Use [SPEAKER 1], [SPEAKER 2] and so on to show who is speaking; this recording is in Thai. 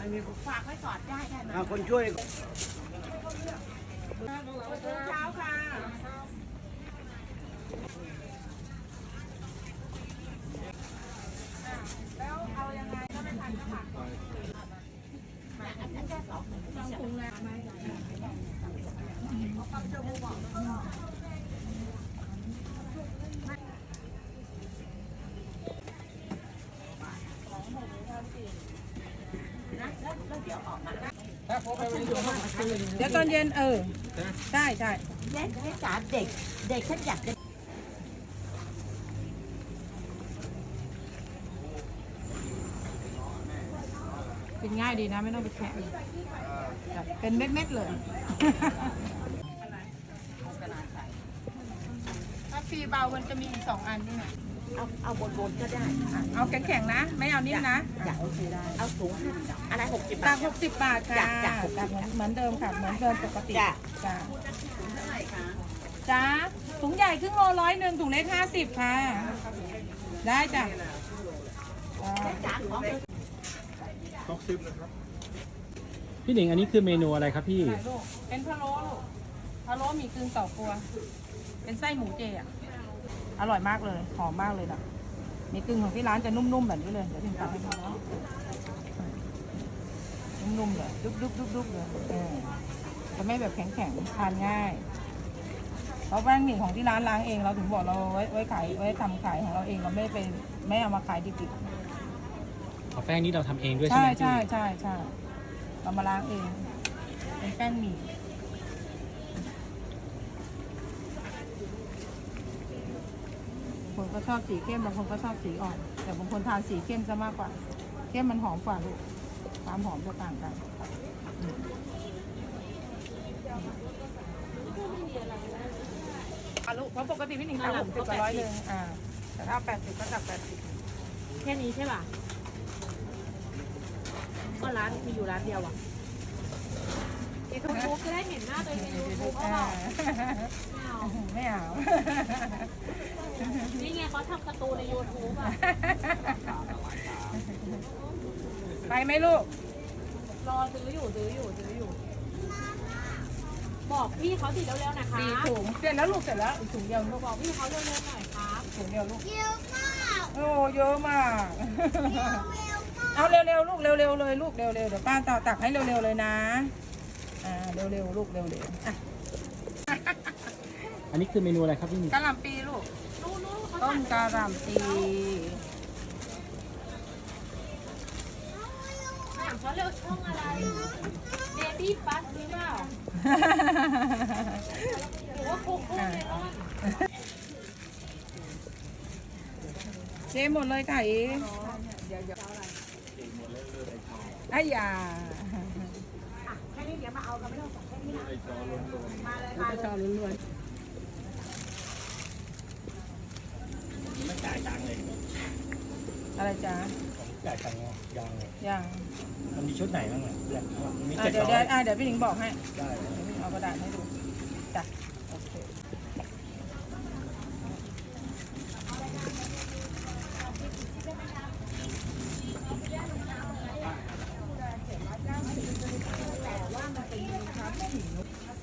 [SPEAKER 1] ฝากไว้ก่อนได้ไหม
[SPEAKER 2] คนช่วย
[SPEAKER 1] เช้าค่ะแล้วเอายังไงก็ไม่ทันก็ฝากก่อนอันนั้นแค่2ถุงนะเดี๋ยวออกมาเดี๋ยวตอนเย็นใช่เด็กจ๋าเด็กฉันอยากจะกินง่ายดีนะไม่ต้องไปแคะเป็นเม็ดๆเลยถ้าฟรีเบามันจะมีอีก2 อันนี่ไงเอาบนก็ได้เอาแข็งๆนะไม่เอานิ่มนะโอเคได้เอาถุงอะไร60 บาท60 บาทค่ะจากเหมือนเดิมค่ะเหมือนเดิมปกติจ้าถุงเท่าไหร่คะจ้าถุงใหญ่ครึ่งโล100ถุงเล็ก50ค่ะได้จ้ะ
[SPEAKER 2] 60นะครับ
[SPEAKER 3] พี่หนิงอันนี้คือเมนูอะไรครับพี่
[SPEAKER 1] เป็นพะโล้ลูกพะโล้มีกึ่งต่อครัวเป็นไส้หมูเจอ่ะอร่อยมากเลยหอมมากเลยนะมีกึ่งของที่ร้านจะนุ่มๆแบบนี้เลยเดี๋ยวถึงตัดให้ดูเนาะนุ่มๆเลยดุ๊บเลยจะไม่แบบแข็งๆทานง่ายเพราะแป้งหมี่ของที่ร้านล้างเองเราถึงบอกเราไว้ขายไว้ทำขายของเราเองเราไม่เอามาขายดิบ
[SPEAKER 3] แป้งนี้เราทำเองด้วย
[SPEAKER 1] ๆ
[SPEAKER 3] ใช่ไหม
[SPEAKER 1] ใช่เรามาล้างเองเป็นแป้งหมี่บางคนก็ชอบสีเข้มบางคนก็ชอบสีอ่อนแต่บางคนทานสีเข้มจะมากกว่าเข้มมันหอมกว่าลูกความหอมจะต่างกันลูกเพราะปกติพี่หนิงทำ60 กับ100แต่ถ้า80ก็จับ80แค่นี้ใช่ป่ะก็ร้านมีอยู่ร้านเดียวอ่ะยูทูบจะได้เห็นหน้าตัวเองในยูทูบเปล่าไม่เอานี่ไงเขาทำการ์ตูนในยูทูบอ่ะไปไหมลูกรอซื้ออยู่บอกพี่เขาสิเร็วๆนะคะ4 ถุงเสร็จแล้วลูกเสร็จแล้วอีกถุงเดียวลูกบอกพี่เขาเร็วๆหน่อยครับถุงเดียวลูกเยอะมากโอ้เยอะมากเอาเร็วๆลูกเร็วๆเลยลูกเร็วๆเดี๋ยวป้าตักให้เร็วๆเลยนะเร็วๆลูกเร็วๆ
[SPEAKER 3] อันนี้คือเมนูอะไรครับพี่หนิง
[SPEAKER 1] กะหล่ำปีลูกต้มกะหล่ำปีถามเขาเร็วช่องอะไรเบบี้บัสหรือเปล่าหรือว่าโคโค่เมลอนเจ๊หมดเลยค่ะอีเดี๋ยวไอ้ยาแค่นี้เดี๋ยวมาเอากันไม่ต้องแค่นี้นะมาเลยค่ะจอล้วน
[SPEAKER 3] ไม่จ่ายตังค์เลย
[SPEAKER 1] อะไรจ๊ะ
[SPEAKER 3] จ่ายตังค์
[SPEAKER 1] ยัง
[SPEAKER 3] มันมีชุดไหนบ้างอ่ะมี
[SPEAKER 1] เดี๋ยวพี่หนิงบอกให้
[SPEAKER 3] ได้
[SPEAKER 1] เดี๋ยวพี่เอากระดาษให้ดูจ้ะโอเคแต่ว่ามันเป็นความหิว